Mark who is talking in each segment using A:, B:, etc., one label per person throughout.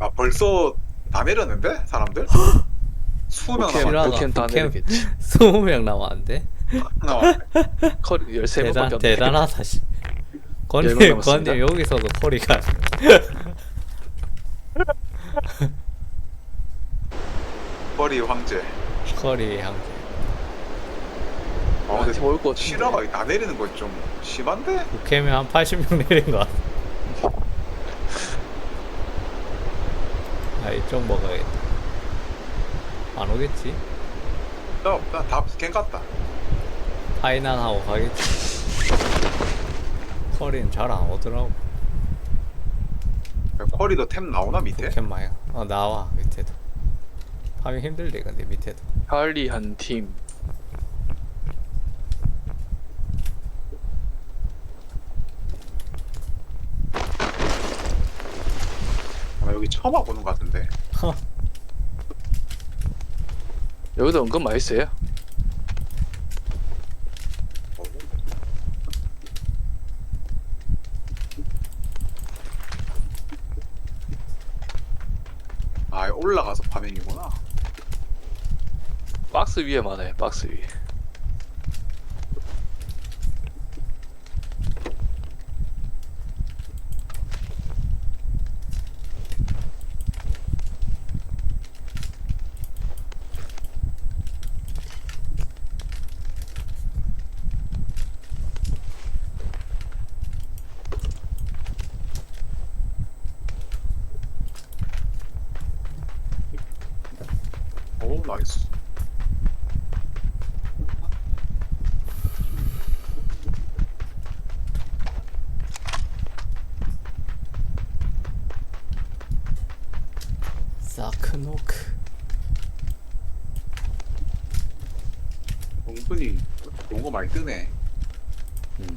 A: 아 벌써 다 내렸는데 사람들? 20명
B: 북캠
A: 남았네.
B: 북캠 다
C: 북캠
B: 내리겠지.
C: 20명 남았는데.
A: 남았네.
B: 커리 13명밖에 없네.
C: 대단하다 씨.
B: 10명
C: 권님
B: 남았습니다.
C: 여기서도 커리가
A: 머리 황제.
C: 커리 형제.
A: 아 근데
B: 팀 올 것 같은데.
A: 실화가 다 내리는 건 좀 심한데?
C: 북캠이 한 80명 내린 것 같아. 아 이쪽 먹어야겠다. 안 오겠지?
A: 나다 갱 같다.
C: 파이난하고 가겠지. 커리는 잘 안 오더라고.
A: 쿼리도 템 나오나 밑에?
C: 북캠 마야. 나와 밑에도. 파밍 힘들대 근데 밑에도.
B: 할리 한 팀.
A: 아, 여기 처음 와보는 것 같은데.
B: 여기도 은근 맛있어요.
A: 아 올라가서 파밍이구나.
B: 박스 위에 많아요. 박스 위에.
A: 오 나이스.
C: 사크노크.
A: 은근히 좋은 거 많이 뜨네.
C: 음.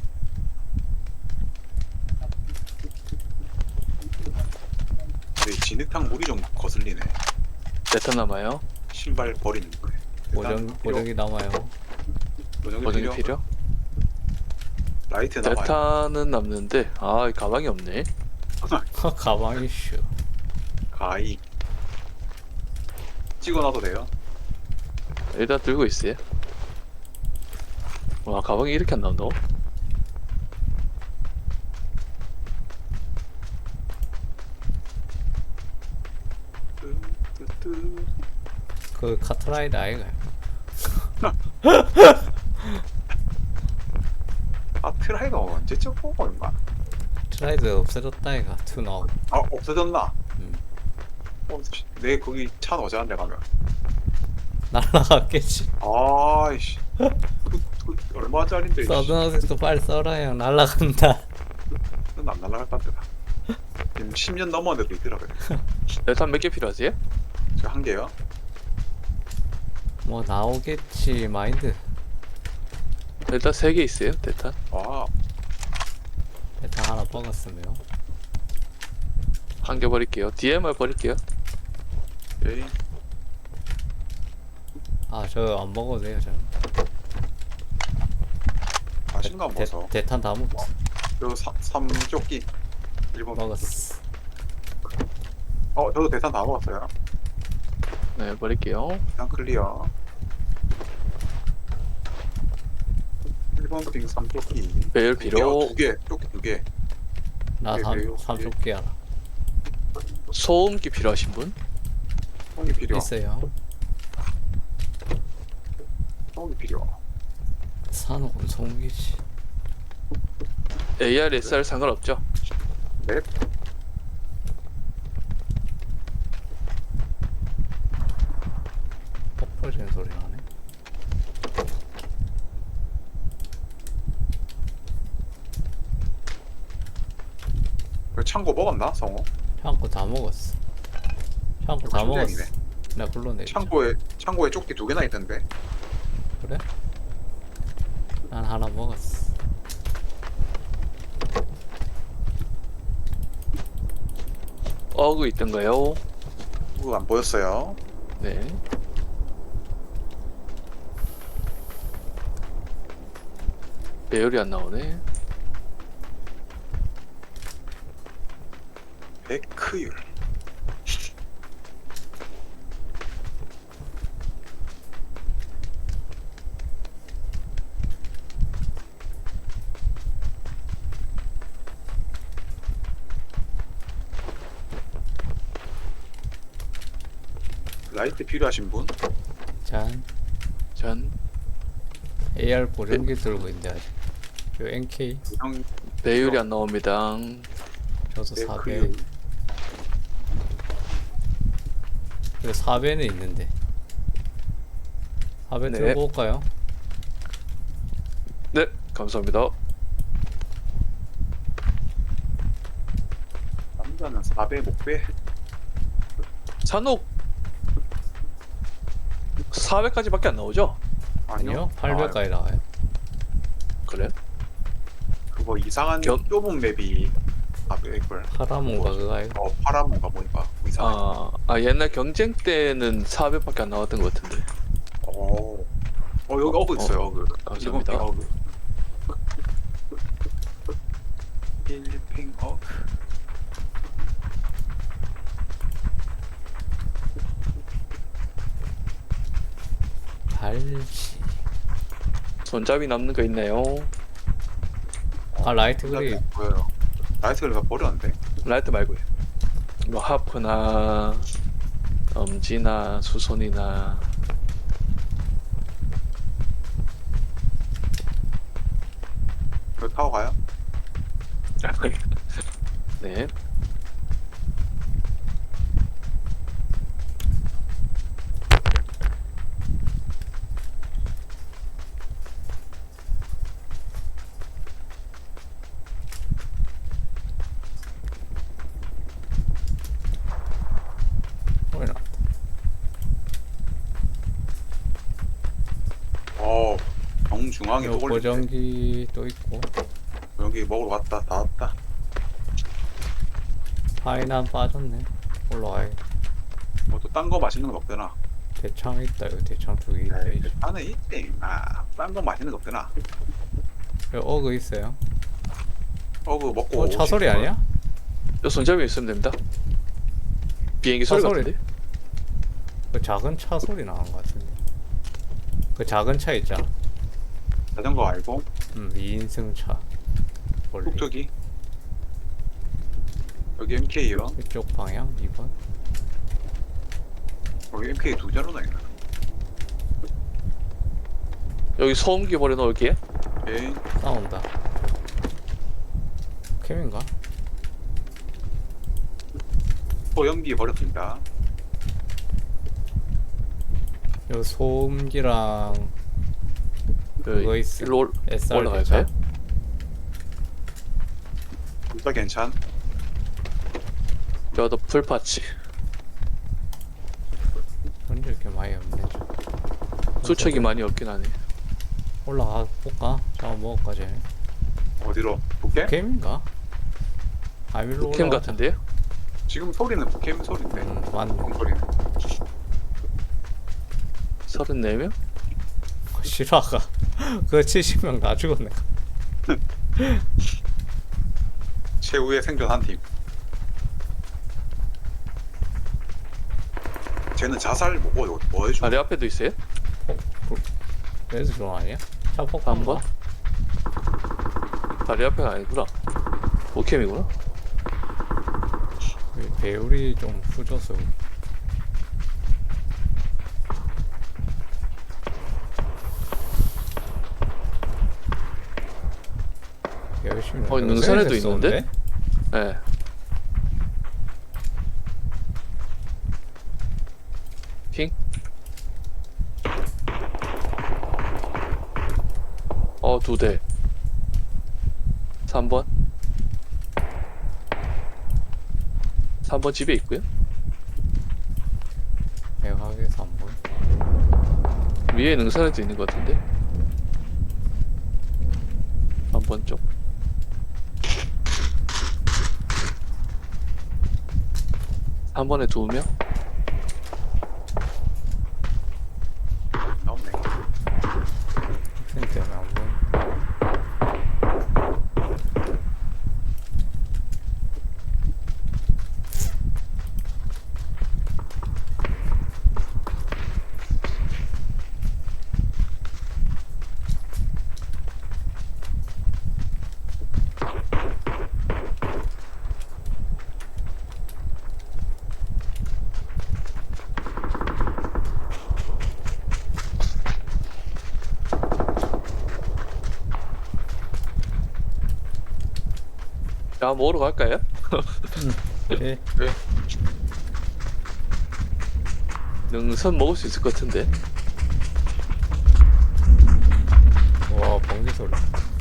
A: 근데 이 진흙탕 물이 좀 거슬리네.
B: 대탄 남아요.
A: 신발 버리는 거에.
C: 보정이 남아요.
A: 보정이
B: 버전이
A: 필요?
B: 필요?
A: 라이트 남아요.
B: 대탄은 남는데 아 가방이 없네.
C: 가방 이슈.
A: 가이. 찍어놔도 돼요?
B: 일단 들고 있어요. 와 가방이 이렇게 안 나온다고?
A: 뚜뚜뚜.
C: 그 카트라이드 아이가요.
A: 아 트라이가 언제쯤 보고 임마.
C: 트라이드 없어졌다 이가 투 나오고.
A: 아 없어졌나?
C: 음.
A: 내 거기 차 넣자는 데 가면.
C: 날라갔겠지.
A: 아이씨. 얼마짜린데?
C: 서든어택도 빨리 써라 형. 날라간다.
A: 안 날라갈 것 같더라. 지금 10년 넘었는데도 있더라고요.
B: 대탄 몇 개 필요하세요?
A: 제가 한 개요.
C: 뭐 나오겠지 마인드.
B: 일단 3개 있어요. 대탄.
A: 아
C: 대탄 하나 먹었으면.
B: 한 개 버릴게요. DMR 버릴게요.
A: 오케이.
C: 저 안 먹어도 돼요 저는.
A: 맛있나 먹어서.
C: 대탄 다 먹.
A: 요 3조끼 1번
C: 먹었어.
A: 저도 대탄 다 먹었어요.
B: 네 버릴게요.
A: 대탄 클리어. 1번 빙 3조끼
B: 배열 필요.
A: 2개 조끼 2개.
C: 나
A: 네, 그래요.
C: 3조끼 하나.
B: 소음기 필요하신 분?
A: 총이 필요.
C: 있어요.
A: 총이 필요.
C: 산옥은 소음기지.
B: AR, SR 상관없죠?
A: 네.
C: 퍽퍼지는 소리 나네.
A: 그 창고 먹었나 성호?
C: 창고 다 먹었어. 창고 다 먹었어.
A: 천장이네.
C: 나 굴러내.
A: 창고에 조끼 2개나 있던데.
C: 그래? 난 하나 먹었어.
B: 어그 있던가요?
A: 그거 안 보였어요.
B: 네. 배열이 안 나오네.
A: 백크율. 라이트 필요하신 분?
C: 짠.
B: 전
C: AR 보정기 들고 있는데 아직. 요 NK
A: 형
B: 배율이 안 나옵니다.
C: 저도
A: 네,
C: 4배. 그래 4배는 있는데. 4배
B: 네.
C: 들고 올까요?
B: 네, 감사합니다.
A: 남자는 4배 목배.
B: 산옥 400까지밖에 안 나오죠?
C: 아니요. 800까지 나와요.
B: 그래?
A: 그거 이상한
B: 겨-
A: 좁은 맵이 400을.
C: 파라몬가 그거 아이가?
A: 파라몬가 보니까 이상한.
B: 옛날 경쟁 때는 400밖에 안 나왔던 것 같은데.
A: 여기 어그 있어요. 어그.
B: 감사합니다.
A: 일본 핑 어그. 일핑 어그.
C: 달지.
B: 손잡이 남는 거 있나요?
C: 아 라이트 그립.
A: 뭐예요? 라이트 그립 버렸는데?
B: 라이트 말고요. 뭐 하프나 엄지나 수손이나
A: 이거 타고 가요?
B: 네.
C: 소리 나.
A: 정중앙에
C: 요
A: 또 올렸네.
C: 보정기 또 있고.
A: 여기 먹으러 왔다. 다 왔다.
C: 파이난 빠졌네. 올라가야.
A: 또 딴 거 맛있는 거 먹더나.
C: 대창 있다. 여기 대창 두 개 있다. 이제.
A: 나는 이때 딴 거 맛있는 거 없더나.
C: 여기 어그 있어요.
A: 어그 먹고.
C: 차 소리 아니야?
B: 요 손잡이 있으면 됩니다. 비행기 소리
C: 차 소리.
B: 같은데?
C: 그 작은 차 소리 나는 것 같은데. 그 작은 차 있잖아.
A: 자전거 알고
C: 2인승 차. 원래
A: 뚝뚝이. 여기 MK요.
C: 이쪽 방향 2번.
A: 여기 MK 두 자로 나 있나?
B: 여기 소음기 버려놓을게.
A: 오케이.
C: 싸운다. 캠인가?
A: 소염기 버렸습니다.
C: 요 소음기랑 그거 있어.
B: 일로
C: SR
B: 올라갈까요?
C: 대차.
A: 둘다 괜찮.
B: 저도 풀파츠.
C: 던질 게 많이 없네. 저.
B: 수척이 많이 없긴 하네.
C: 올라가 볼까? 잠깐 먹을까 쟤.
A: 어디로? 북캠?
C: 캠인가? 아밀로
B: 캠
C: 올라가자.
B: 같은데요?
A: 지금 소리는 북캠 소리인데.
C: 맞네.
A: 소리는.
B: 34명?
C: 실화가 그 70명 다 죽었네.
A: 최후의 생존 한 팀. 쟤는 자살 뭐고 뭐 해줘?
B: 다리 앞에도 있어요?
C: 그래서 좀 아니야? 차폭
B: 한 번? 다리 앞에가 아니구나. 보캠이구나.
C: 배율이 좀 후져서. 열심히.
B: 능선에도 있는데? 네. 핑? 두 대. 3번. 3번 집에 있고요.
C: 대각에서 안 보여.
B: 위에 능선에도 있는 것 같은데. 3번 쪽. 한 번에 2명?
A: 나오네.
C: 생 때문에 안 보여.
B: 야, 먹으러 갈까요?
C: 예.
A: 왜?
B: 능선 먹을 수 있을 것 같은데.
C: 와 번개 소리.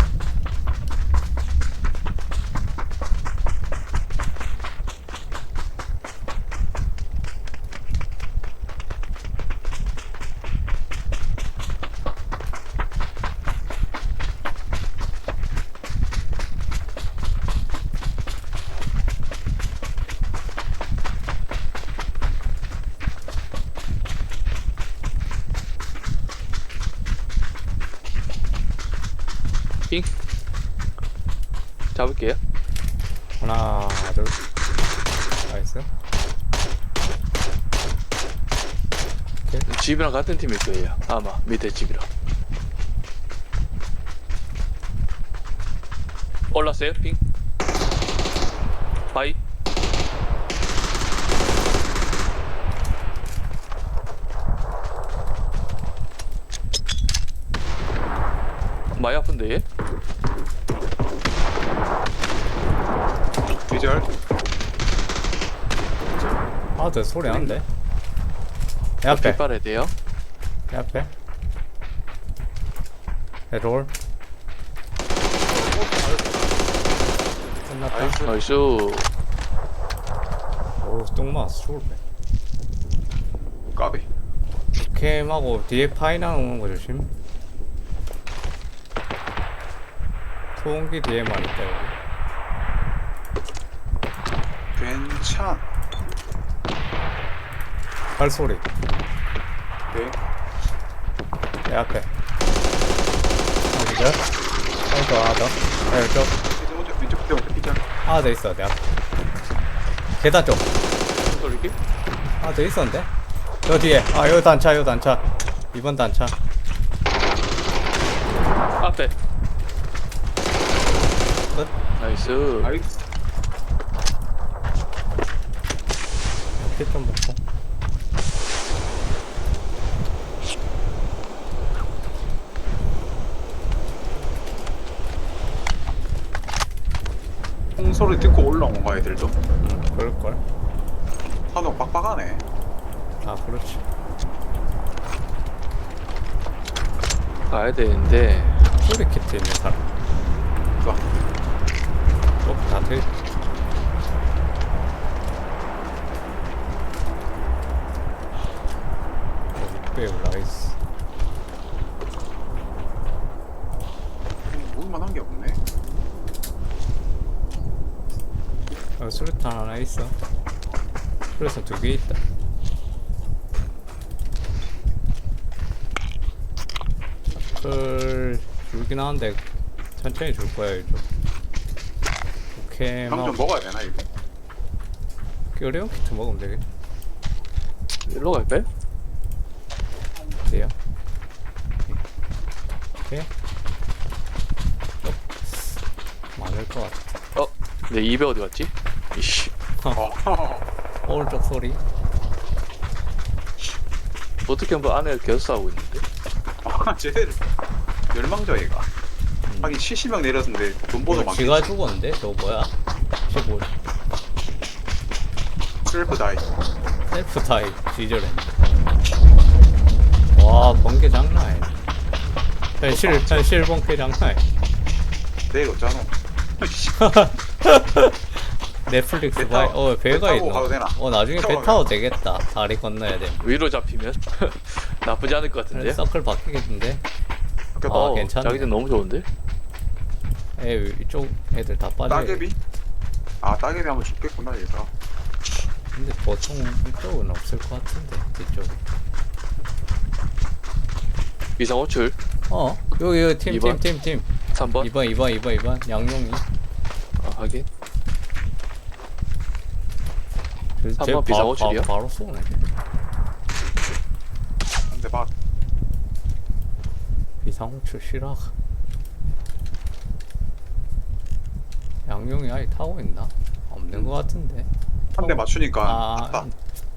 B: 핑. 잡을게요.
C: 하나 둘. 나이스.
B: 집이랑 같은 팀일 거예요. 아마 밑에 집이랑. 올랐어요, 핑. 바이. 많이 아픈데 얘?
A: 기절.
C: 아, 저 소리 나는데. 내 앞에.
B: 빗 빨아야 돼요.
C: 내 앞에. 롤. 끝났다.
A: 나이스.
B: 나이스.
C: 오, 똥 맞았어. 죽을 뻔.
A: 까비.
C: 캠하고 뒤에 파이 나오는 거 조심. 소음기 뒤에만 있다 여기.
A: 괜찮.
C: 발소리.
A: 네.
C: 내 앞에. 어디죠? 하나 더, 하나 더. 네, 저.
A: 왼쪽 뼈 기절.
C: 하나 더 있어, 내 앞에. 계단 쪽.
B: 돌리기?
C: 하나 더 있었는데? 저 뒤에. 아, 여기 단차, 여기 단차. 2번 단차.
B: 앞에.
C: 끝.
B: 나이스.
A: 나이스.
C: kit좀 먹고.
A: 홍소리 듣고 올라온 거야 애들도.
C: 그럴걸.
A: 한옥 빡빡하네.
C: 아, 그렇지.
B: 가야 되는데.
C: 소리 키트 있는 사람.
A: 자,
C: 다 돼. 라이스.
A: 먹을만한 게 없네.
C: 수류탄 하나 있어. 그래서 2개 있다. 줄긴 하는데 천천히 줄 거야 이쪽. 오케이.
A: 형 좀 먹어야 되나 이거?
C: 어려운 키트 먹으면 되겠지.
B: 일로 갈까요?
C: 돼요. 오케이. 많을 것 같아.
B: 내 입에 어디 갔지? 이씨.
C: 오른쪽 소리.
B: 어떻게 한번 안에 계속 싸우고 있는데?
A: 쟤들 멸망자 얘가. 하긴 70명 내렸는데 돈보도 많겠지.
C: 지가 죽었는데? 저거 뭐야? 15.
A: 셀프 다이.
C: 셀프 타입 기절했네. 와, 번개 장난 아니네. 현실 번개 장난 아니네.
A: 내일 없잖아.
C: 넷플릭스
A: 배
C: 바이.
A: 타고-
C: 배가
A: 배 타고 가도
C: 있나?
A: 되나?
C: 나중에 배
A: 타고
C: 타도 되겠다. 다리 건너야 돼.
B: 위로 잡히면 나쁘지 않을 것 같은데?
C: 서클 바뀌겠는데?
A: 바뀌었다.
C: 괜찮네.
B: 자기는 너무 좋은데?
C: 이쪽 애들 다 빠져.
A: 따개비? 아 따개비 한번 죽겠구나 얘가.
C: 근데 보통 이쪽은 없을 것 같은데. 뒤쪽에.
B: 이상 호출
C: 여기 팀
B: 2번? 3번?
C: 2번 양용이.
B: 하긴.
C: 쟤
B: 3번 비상 호출이요?
C: 바로 쏘네.
A: 근데 막
C: 비상호출 실화. 양용이 아예 타고 있나? 없는 것 같은데.
A: 한 대 맞추니까
C: 아,
A: 갔다.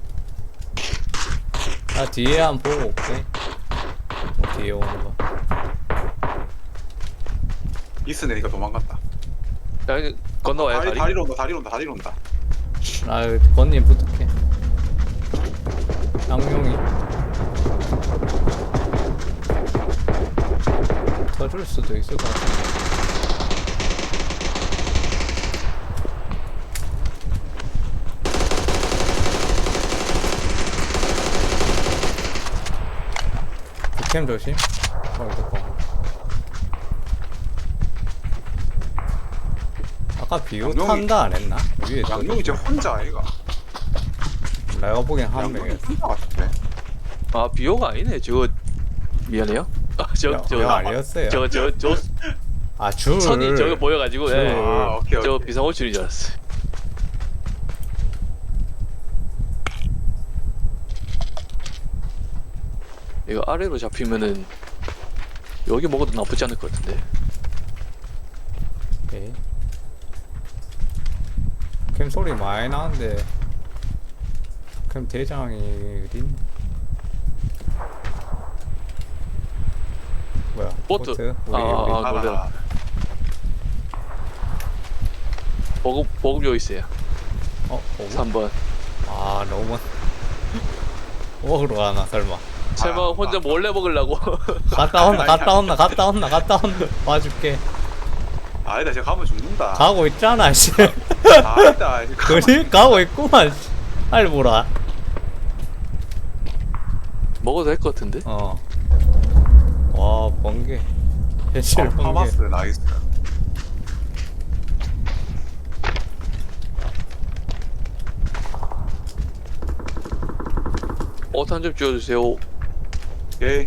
C: 나 뒤에 한번 보고 올게. 뒤에 오는 거.
A: 이스네니까 도망갔다.
B: 야, 건너와요 다리.
A: 다리로 온다 다리로 온다.
C: 아 건님 부탁해. 양용이 터질 수도 있을 것 같아. 캠 조심. 듣고. 아까 비오
A: 양용이-
C: 탄다 안 했나? 위에
A: 양용이 쟤 혼자 아이가.
C: 내가 보기엔 한
A: 양용이
C: 명이었어.
A: 혼자 같은데.
B: 아 비호가 아니네. 저거 미안해요.
C: 야,
B: 아저저
C: 아니었어요.
B: 저
C: 아 줄.
B: 선이 저거 보여가지고
C: 줄.
B: 예.
A: 아 오케이
B: 저
A: 오케이.
B: 비상호출인 줄 알았어. 이거 아래로 잡히면은 여기 먹어도 나쁘지 않을 것 같은데.
C: 오케이. 캠 소리 많이 나는데 캠 대장이 어딨니? 뭐야?
B: 보트.
C: 우리
B: 아,
C: 우리
B: 아. 놀래라. 보급 여기 있어요.
C: 보고?
B: 3번.
C: 아 너무 먹으러 가나 설마?
B: 설마 혼자 몰래 먹으려고.
C: 갔다 온나 봐줄게.
A: 아니다 쟤 가면 죽는다.
C: 가고 있잖아 씨.
A: 아니다 이제 가면
C: 그리 가고 있구만. 씨. 빨리 보라.
B: 먹어도 될 것 같은데.
C: 와 번개. 현실 번개.
A: 파마스 나이스.
B: 오탄 좀 주워주세요.
A: 오케이.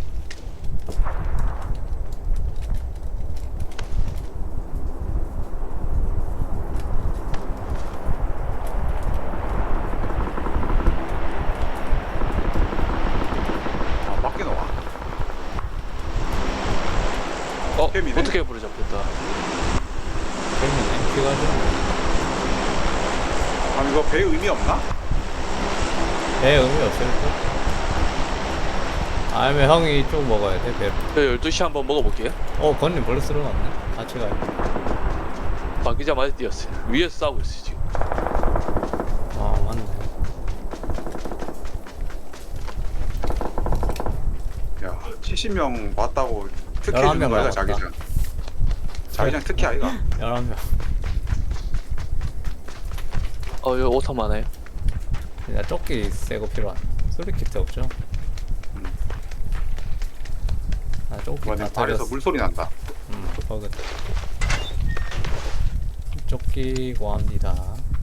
A: 아 밖에 나와. 캠이네.
B: 어떻게 불을 잡혔다.
C: 재밌네. 피가 좀.
A: 아 이거 배 의미 없나?
C: 배 의미 없을 듯. 아니면 형이 이쪽 먹어야 돼 배.
B: 저 12시 한번 먹어볼게요.
C: 건님 벌써 들어갔네. 같이 가요.
B: 바뀌자마자 뛰었어요. 위에서 싸우고 있어요 지금.
C: 아 맞네.
A: 야 70명 왔다고 특혜
C: 11명
A: 주는 거야
C: 남았다.
A: 자기장. 자기장 특혜 아이가.
C: 11명.
B: 여기 오탄 많아요.
C: 그냥 조끼 새거 필요한. 수리키트 없죠? 아 조끼
A: 이번엔
C: 다
A: 발에서
C: 터졌어.
A: 물소리 난다.
C: 버그. 조끼 구합니다.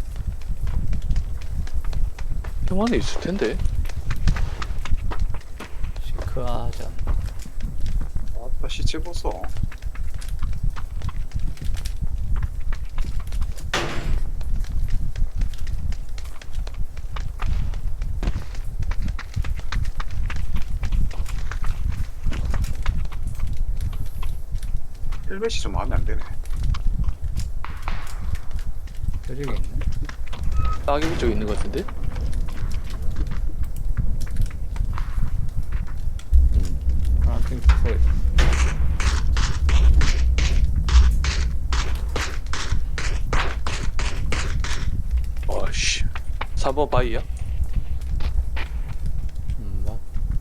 B: 형 안에 있을 텐데.
C: 시크하자.
A: 아따 시체 보소. 헬멧이 좀 마음에 안 드네.
C: 저기 있네.
B: 따개비 쪽에 있는 것 같은데.
C: 아, 핑크 소리.
B: 아씨. 3번 바이야?
C: 뭐.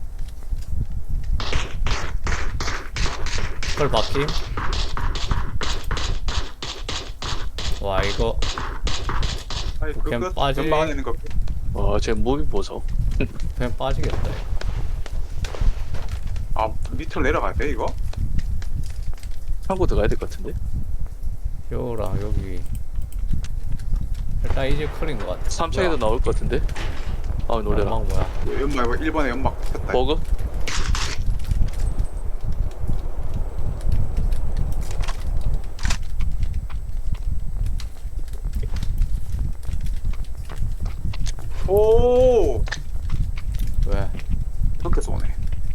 C: 그걸 바뀜? 와 이거
A: 아니
C: 그냥
A: 그거
C: 빠지.
A: 연막 안에 있는 거.
B: 제 무빙 보소.
C: 그냥 빠지겠다.
A: 아 밑으로 내려가야 돼 이거?
B: 창고 들어가야 될 것 같은데.
C: 요랑 여기 일단 이제 컬인 것 같아.
B: 3층에도 나올 것 같은데. 아 놀래라.
C: 연막 뭐야?
A: 연막 이거 1번에 연막 폈다.
B: 버그?
A: 오
C: 왜?
A: 밖에서 오네.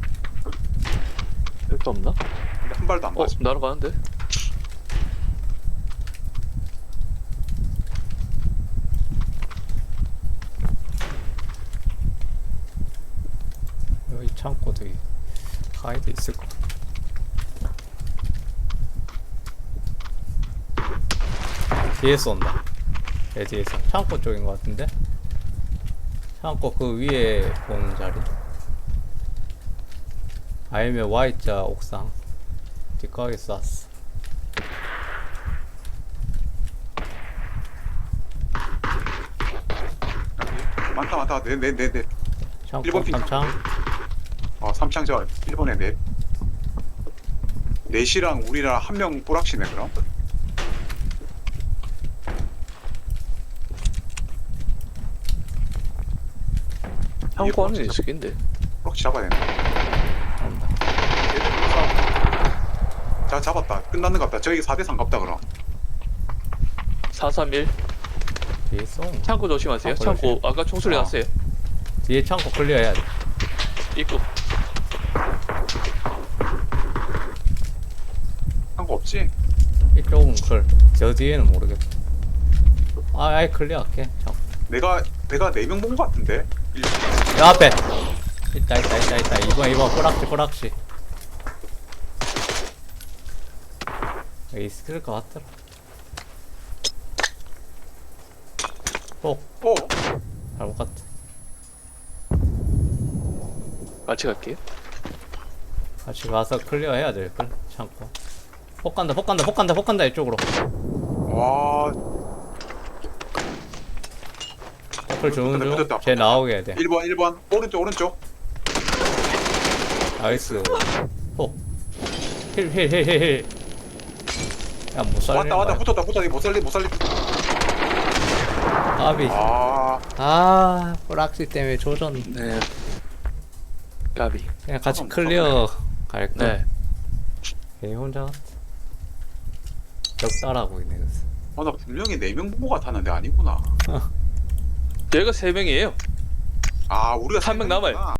B: 이렇게 없나?
A: 근데 한 발도 안 맞아.
B: 날아가는데.
C: 여기 창고도 가이드 있을 거. 뒤에서 온다. 내 뒤에서. 창고 쪽인 것 같은데? 창고 그 위에 보는 자리. 아니면 Y자 옥상. 뒷가게 쐈어.
A: 많다. 네.
C: 창고
A: 일본 핑.
C: 3창.
A: 삼창 저 일본에 넷이랑 우리랑 한 명 꼬락시네 그럼.
B: 창고 안에 있을 낀데.
A: 꼬락시 잡아야 되네.
C: 간다.
A: 자 잡았다. 끝났는 것 같다. 저기 4대3 갑다 그럼.
B: 431.
C: 뒤에 쏜.
B: 창고 조심하세요.
C: 창고
B: 창고 아까 총소리
C: 아.
B: 났어요.
C: 뒤에 창고 클리어 해야 돼.
B: 입구.
A: 한 거 없지?
C: 이쪽은 클. 저 뒤에는 모르겠다. 아이 클리어 할게. 창고.
A: 내가 4명 본 것 같은데.
C: 야 앞에 있다 2번 꼬락지 여기 있을 것 같더라. 잘못 갔다.
B: 같이 갈게요.
C: 같이 가서 클리어 해야 될걸. 참고 폭 간다 이쪽으로.
A: 와
C: 폭을 주는 중.
A: 붙었다.
C: 쟤 나오게 해야 돼.
A: 1번 오른쪽.
C: 나이스. 폭 힐. 야 못 살리는
A: 왔다
C: 거야.
A: 붙었다. 못 살리.
C: 까비. 꼬락지 때문에 조졌.
B: 네. 까비.
C: 그냥 같이 클리어 갈까?
B: 네.
C: 괜히 혼자 갔다. 벽따라고 있네. 그래서.
A: 나 분명히 4명 본 것 같았는데 아니구나.
B: 저희가 3명이에요.
A: 우리가
B: 한명 남아요.